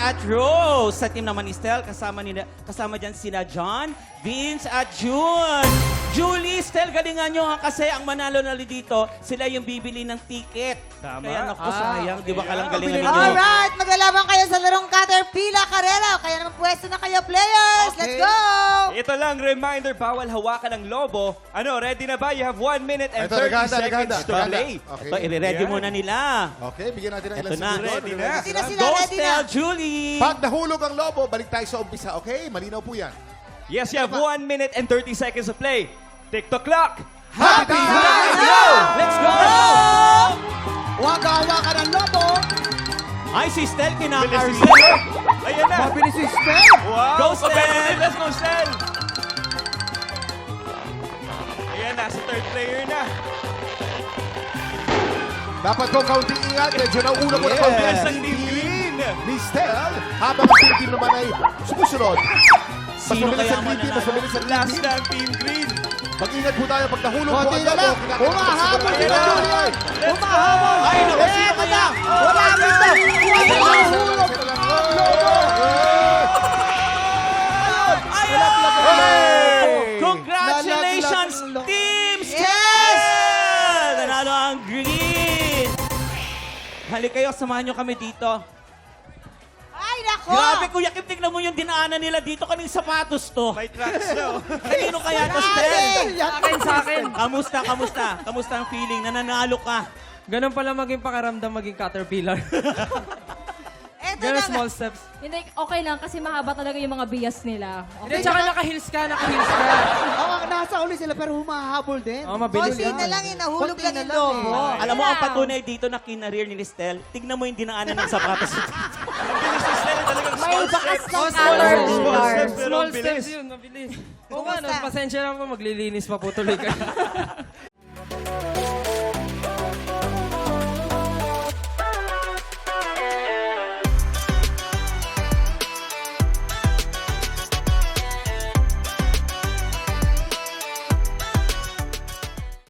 at Rose. Sa team naman ni Stel, kasama dyan sina John, Vince at June. Julie, Stel, galingan nyo ha kasi ang manalo na dito, sila yung bibili ng ticket. Tama. Kaya naku, sayang, di ba kalang galingan ninyo? Alright, maglalaban kayo sa larong Caterpillar Carrera. Kaya naman pwesto na kayo, players. Let's go! Ito lang, reminder, bawal hawakan ng lobo. Ano, ready na ba? You have 1 minute and Ito, 30 naganda, seconds to naganda. play. Okay. Ito, i-ready Yan. muna nila. Okay, bigyan natin ng Ito ilang na. segundo. Ready na. Ready na sila, Go, ready na. Stel, Julie! Pag nahulog ang lobo, balik tayo sa umpisa. Okay? Malinaw po yan. Yes, you have 1 minute and 30 seconds to play. TikTok clock. Happy Let's time! go! Let's go! Huwag hawakan ng lobo. Ay, si Stel, Bilis kinakarry. si Stel. Ayan na. Mabilis si Stel. Wow! Go, Stel! Competitive. Let's go, Stel! Ayan na, si third player na. Dapat ko kaunting ingat. Medyo nauuna po na Yes, kaunting ang team green. ni Stel. Habang ang team team naman ay sumusunod. Mas Sino mabilis kaya ang green team, mas mananalo? mabilis ang green Last team. na ang team green. Mag-ingat po tayo pag nahulog po Konti ang na lobo. lang. Kinakailangan Humahabol siguro- sila, Ayan. Julian. Let's Humahabol. Ay, naku, sino Eto kaya? na. Wala dito. Nahulog. Ay, congratulations, Nalaglag ang lo- Team Stel! Yes! Nanalo ang green! Halik kayo, samahan nyo kami dito. Ay, nako! Grabe, Kuya Kim, tignan mo yung dinaanan nila dito. Kaming sapatos to. May tracks na. oh. Kanino kaya to, Stel? Sa akin. Kamusta ang feeling? Nananalo ka. Ganun pala maging pakaramdam maging caterpillar. Eto Ganun na. small steps. Hindi, okay lang kasi mahaba talaga yung mga bias nila. Hindi, tsaka naka-heels ka. Oo, nasa uli sila pero humahabol din. Oo, mabilis Konti na lang, nahulog Konti lang na yung lang lobo. eh. Alam mo, ang patunay dito na kinareer ni Stel, tignan mo yung dinaanan ng sapatos. Ang bilis si Stel. Talagang May small bakas steps. ng Oh, Caterpillar. Small steps pero Small ang bilis. steps yun, mabilis. Oo nga, no, Kumusta? pasensya na po, maglilinis pa po tuloy kayo.